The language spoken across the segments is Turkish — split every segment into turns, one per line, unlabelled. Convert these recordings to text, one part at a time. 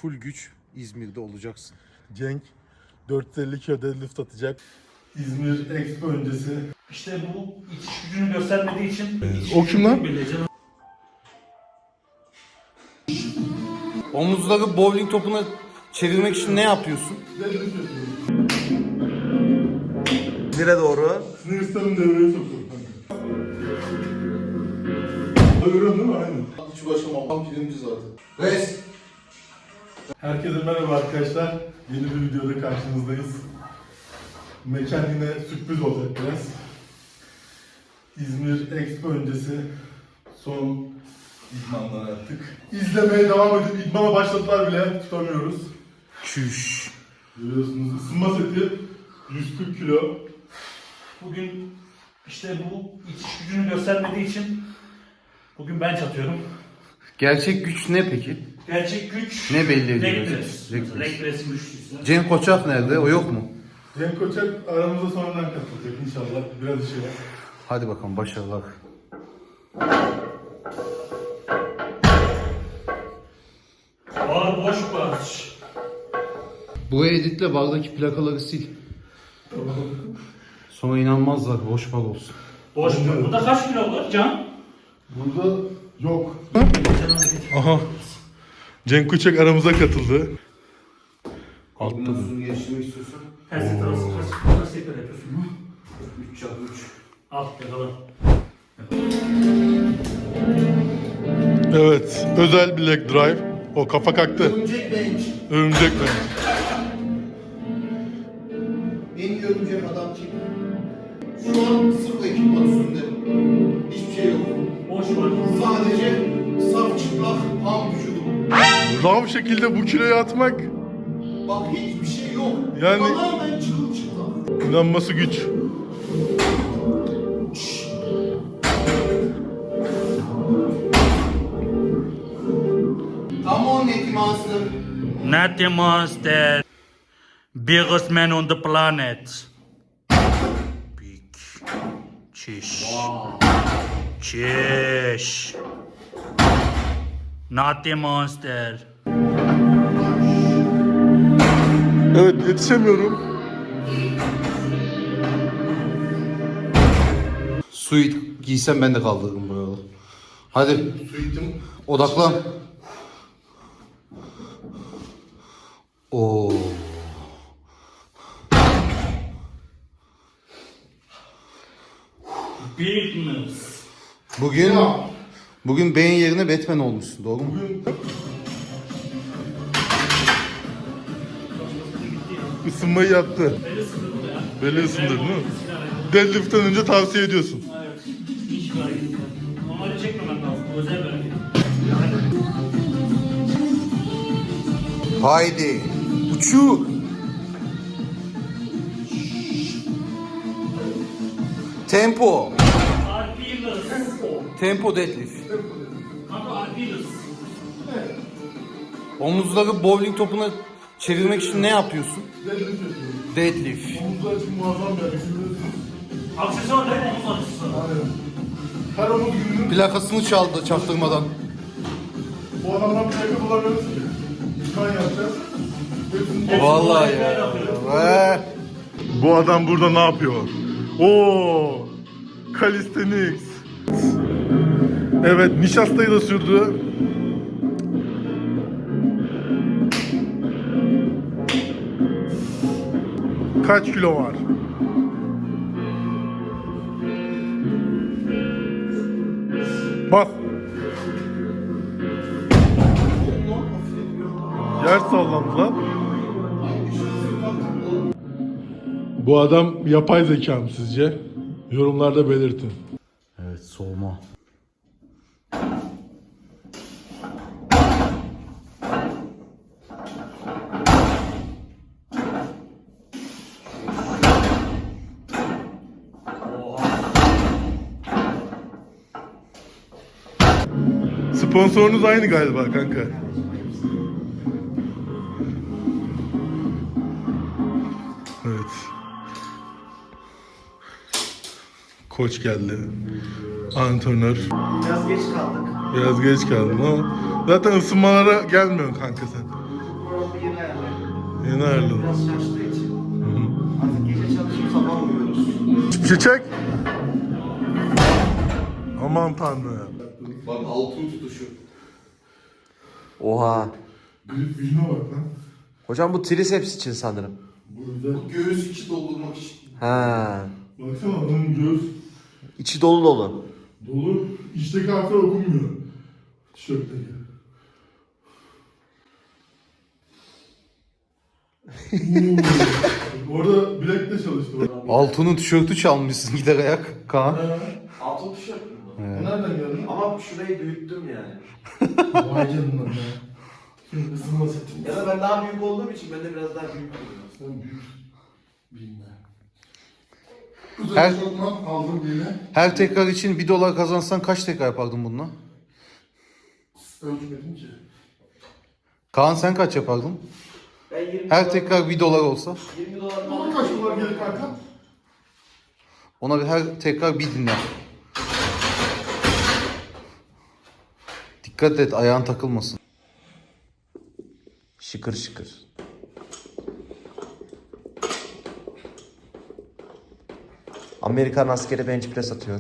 full güç İzmir'de olacaksın.
Cenk 450 kilo deadlift atacak. İzmir Expo öncesi.
İşte bu itiş gücünü göstermediği için...
O kim lan?
Omuzları bowling topuna çevirmek için ne yapıyorsun? Nereye doğru?
Sınırsızın devreye sokuyorum kanka. Görüyorsun değil mi? Aynen.
Hiç uğraşamam. Pirinci zaten. Res.
Herkese merhaba arkadaşlar. Yeni bir videoda karşınızdayız. Mekan yine sürpriz olacak biraz. İzmir Expo öncesi son idmanlar artık. İzlemeye devam edip idmana başladılar bile, tutamıyoruz.
Çüş.
Görüyorsunuz ısınma seti 140 kilo.
Bugün işte bu itiş gücünü göstermediği için bugün bench atıyorum.
Gerçek güç ne peki?
Gerçek güç...
Ne belli ediyor?
Leg press.
Leg press.
Leg press'in güçlüyse.
Cenk Koçak nerede? O yok mu?
Cenk Koçak aramıza sonradan katılacak inşallah. Biraz işi var.
Hadi bakalım başarılar.
Ağır boş baş.
Bu editle bardaki plakaları sil. Sonra inanmazlar boş bar olsun.
Boş baş. Burada kaç kilo var Can?
Burada yok. Aha. Cenk Koçak aramıza katıldı. Altta da.
Nasıl geliştirmek istiyorsan?
Her set arası kaç tekrar yapıyorsun mu?
3x3.
Al yakala.
Evet, özel bir leg drive. O kafa kalktı.
Örümcek bench.
Örümcek bench.
En iyi örümcek adam kim? Şu an sıfır ekipman üstünde. Hiçbir şey yok.
Boş baş.
Sadece saf çıplak ham vücudum.
Rav şekilde bu kiloyu atmak
Bak hiçbir şey yok.
Yani-
Tamamen çıplak.
inanması güç.
Come on Netty Monster.
Natty Monster. Biggest man on the planet. Big. Çiş. Çiş. Natty Monster.
Evet, yetişemiyorum.
Suit giysem ben de kaldırırım bu arada. Hadi
Suitim.
odaklan. Oo.
Bigness.
Bugün beyin yerine Batman olmuşsun, doğru mu?
Bugün ısınmayı yaptı.
Beni sıkıldı ya.
Belli ısındır değil mi? Deadlift'ten önce tavsiye ediyorsun.
Evet. Hiç bir hareket yok. Normalde çekmemen lazım. Bu özel bir hareket.
Haydi. Uçu. Tempo.
Arpilus.
Tempo deadlift.
Kanka Arpilus.
Omuzları bowling topuna çevirmek için ne yapıyorsun?
Deadlift yapıyorum.
Deadlift.
Omuzlar için muazzam bir hareket.
Aksesuar değil mi? Omuz aksesuarı.
Aynen. Her omuz gününün
Plakasını çaldı çaktırmadan.
bu adamdan plaka bulamıyoruz ki. İdman yapacağız. Hepsini-
Vallahi ya. Ve
Bu adam burada ne yapıyor? Oo! Calisthenics. Evet, nişastayı da sürdü. Kaç kilo var? Bas. Yer sallandı lan. Bu adam yapay zeka mı sizce? Yorumlarda belirtin.
evet, soğuma.
Sponsorunuz aynı galiba kanka. Evet. Koç geldi. Antrenör.
Biraz geç kaldık.
Biraz geç kaldın ama zaten ısınmalara gelmiyorsun kanka sen.
Yeni ayarladım.
Yeni ayarladın.
Biraz şaştığı için. Artık gece çalışıp sabah uyuyoruz.
Çiçek. Aman tanrım.
Bak altın tutuşu.
Oha.
Grip yüzüne bak lan.
Hocam bu triceps için sanırım.
Bu güzel.
Bu göğüs içi doldurmak için.
Ha.
Baksana adamın göğüs
İçi dolu dolu.
dolu. İçteki harfler okunmuyor. Tişörtteki. Orada bilekle çalıştı.
Altun'un tişörtü çalmışsın gider ayak Kaan.
Altın tişört mü bu?
O nereden geldi?
Ama şurayı büyüttüm yani.
Vay canına ya. Şimdi ısınma seti.
Ya da ben daha büyük olduğum için ben de biraz daha büyük duruyorum.
Sen büyük. Bilme.
Her-
Özel şortman aldım yine.
Her tekrar için $1 kazansan kaç tekrar yapardın bununla?
Ölçmedim ki.
Kaan sen kaç yapardın?
Ben 20
Her tekrar $1 olsa
20 dolar
Bana kaç dolar gelir kanka?
ona bir her tekrar bir dinler. Dikkat et ayağın takılmasın.
Şıkır şıkır. Amerikan askeri bench press atıyor.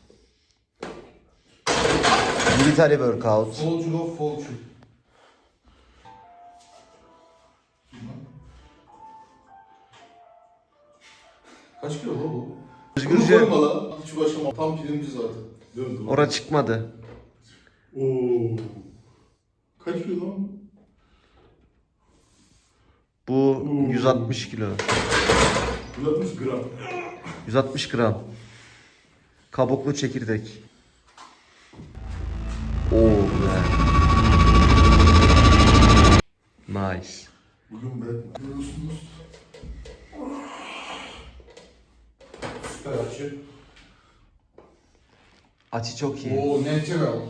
Military workout.
Soldier of Fortune. Kaç kilo bu?
Özgürce
Bunu koyma lan. Hiç başlama. Tam pirinci zaten.
Dön dur.
ora çıkmadı.
Oo. Kaç kilo lan bu?
Bu 160 kilo.
160 gram.
160 gram. Kabuklu çekirdek. Oo be. Nice.
Bugün ben görüyorsunuz.
Süper açı.
Açı çok iyi.
Oo natural.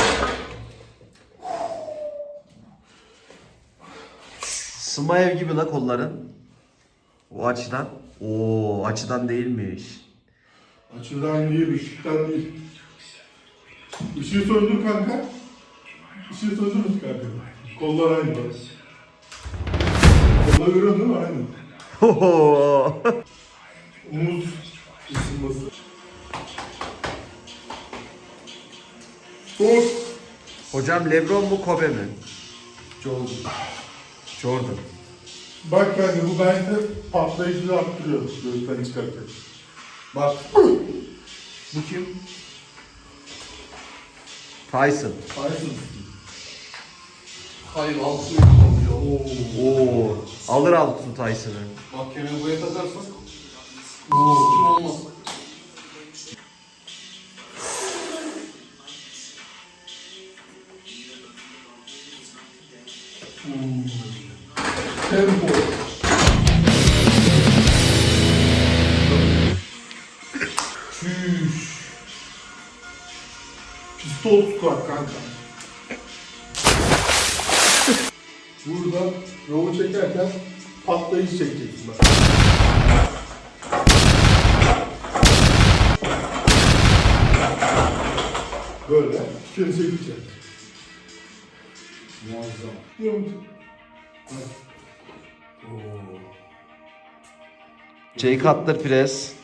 Smaev gibi la kolların. O açıdan. Oo açıdan değilmiş.
Açıdan değil, ışıktan değil. Işığı söndür kanka. Işığı söndürürüz kanka. Kollar aynı bak. Kolları görüyorsun değil mi? Aynı.
Hoho.
Omuz ısınması. Dur.
Hocam LeBron mu Kobe mi?
Jordan.
Jordan.
Bak kanka bu bence patlayıcılığı arttırıyor göğüsten çıkarken.
Bak.
Bu kim? Tyson.
Tyson.
Hayır altın yapıyor.
Oo. Alır altın Tyson'ı.
Mahkemeye buraya takarsak. Kim olmaz.
Tempo. Çüş. Pistol squat kanka. Burada rovu çekerken patlayıcı çekeceksin bak. Böyle bir kere çekeceğim.
Muazzam.
Jay Cutler press.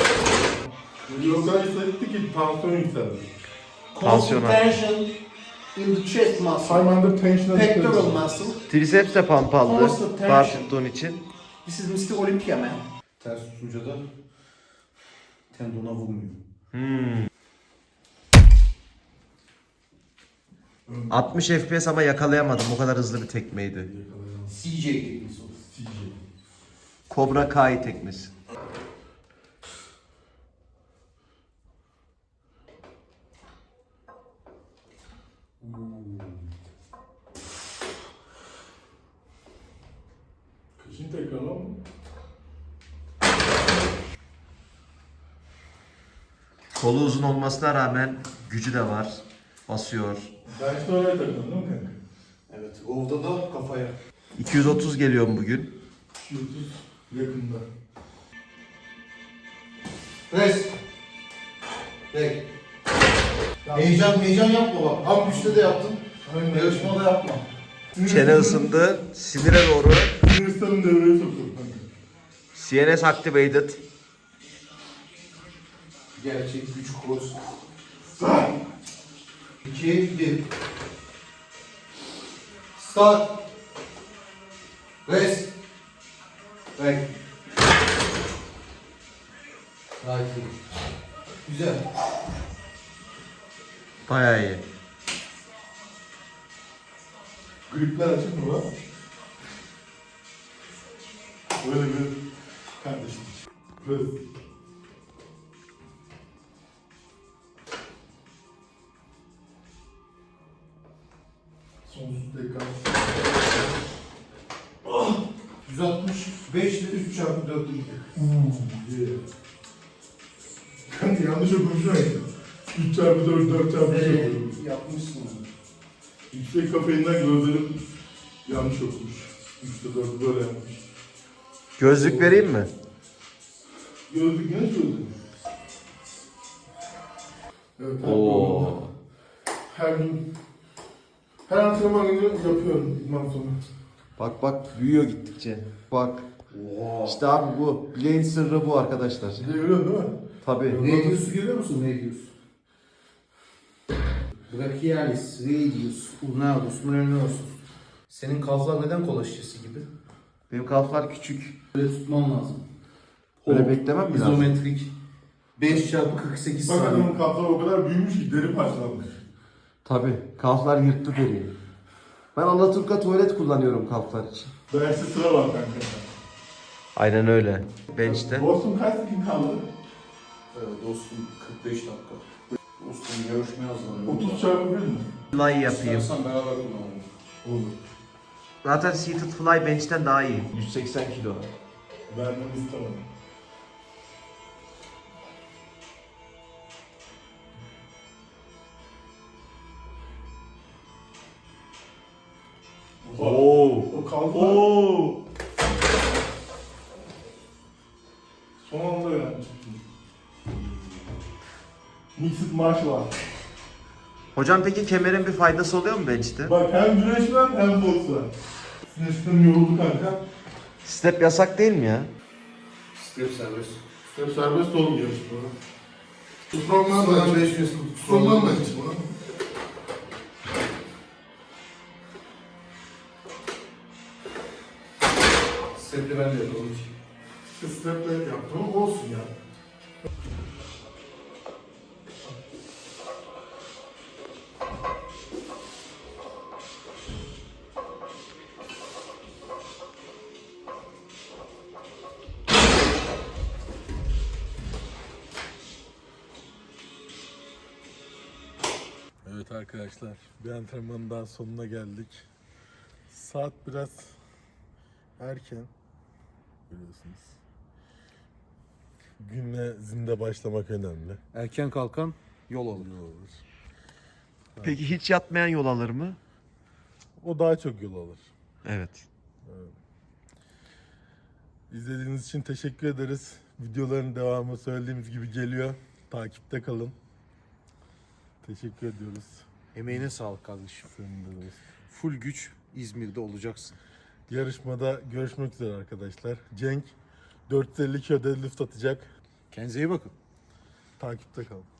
O kadar hissetti ki tansiyon yükseldi.
Tansiyona.
Tension in the chest muscle.
I'm under tension.
Pectoral muscle.
Triceps de pump aldı.
Constant
Bar
tension.
tuttuğun için.
This is Mr. Olympia man.
Ters tutunca da tendona vurmuyor.
60 FPS ama yakalayamadım. O kadar hızlı bir tekmeydi.
CJ teknisi o.
Cobra Kai tekmesi.
Kaçıncı tekrar lan bu?
Kolu uzun olmasına rağmen gücü de var. Basıyor.
Ben işte oraya takıldım değil mi kanka?
Evet. Ovda da kafaya.
230 geliyorum bugün.
230 yakında.
Press. Back. Heyecan yapma bak. Ham güçte de yaptın. Yarışmada yapma.
Çene ısındı. Sinire doğru.
Sinir sistemini devreye sokuyorum kanka.
CNS activated.
Gerçek güç koz. 2, 1. Start. Rest. Back. Right. Güzel.
Bayağı iyi.
Gripler açık mı lan? Böyle bir kardeşim. Press. Sonsuz tekrar.
165 ile 3 çarpı 4 gidiyor.
Kanka yanlış okumuşum ya. 3 çarpı 4, 4 çarpı 3 okuyorum.
Yapmışsın onu.
Yüksek kafeinden gözlerim yanlış okumuş. 3'te 4'ü böyle yapmış.
Gözlük vereyim mi?
Gözlük genç gözlük. Evet,
Oo.
her gün her antrenman günü yapıyorum idman sonu.
Bak büyüyor gittikçe. Bak. İşte abi bu. Bileğin sırrı bu arkadaşlar.
Bir de görüyorsun değil mi?
Tabii.
Radius'u görüyor musun? Radius. Brachialis, radius, ulnatus, mulanosus. Senin kalflar neden kola şişesi gibi?
Benim kalflar küçük.
Böyle tutman lazım.
Öyle beklemem mi lazım?
İzometrik. 5 çarpı 48
Bak
saniye.
adamın kalfları o kadar büyümüş ki deri parçalanmış.
Tabii. Kalflar yırttı deriyi. Ben Alaturka tuvalet kullanıyorum kalflar için.
Derste sıra var kanka.
Aynen öyle. Bench'te.
Dostum kaç gün kaldı?
Dostum 45 dakika. Dostum görüşmeye hazırlanıyorum.
30 çarpı 1 mi?
Fly yapayım.
İstersen beraber kullanalım.
Olur.
Zaten seated fly bench'ten daha iyi.
180 kilo.
Vermemi istemem. O kaldı. Son anda yani. Mixed martial art.
Hocam peki kemerin bir faydası oluyor mu bench'te?
Bak hem güreş var hem boks var. Sinir sistemi yoruldu kanka.
Step yasak değil mi ya?
Step serbest.
Step serbest olmuyor işte bana. Strongman da
Sonra 500
Strongman da hiç buna.
Step'li ben de yapalım hiç.
Step'le yaptım ama olsun ya. Evet arkadaşlar, bir antrenmanın daha sonuna geldik. Saat biraz erken, görüyorsunuz. Güne zinde başlamak önemli.
Erken kalkan yol alır.
İyi olur.
Peki hiç yatmayan yol alır mı?
O daha çok yol alır.
Evet.
İzlediğiniz için teşekkür ederiz. Videoların devamı söylediğimiz gibi geliyor. Takipte kalın. Teşekkür ediyoruz.
Emeğine sağlık kardeşim.
Senin de dostum.
Full güç İzmir'de olacaksın.
Yarışmada görüşmek üzere arkadaşlar. Cenk 450 kilo deadlift atacak.
Kendinize iyi bakın.
Takipte kalın.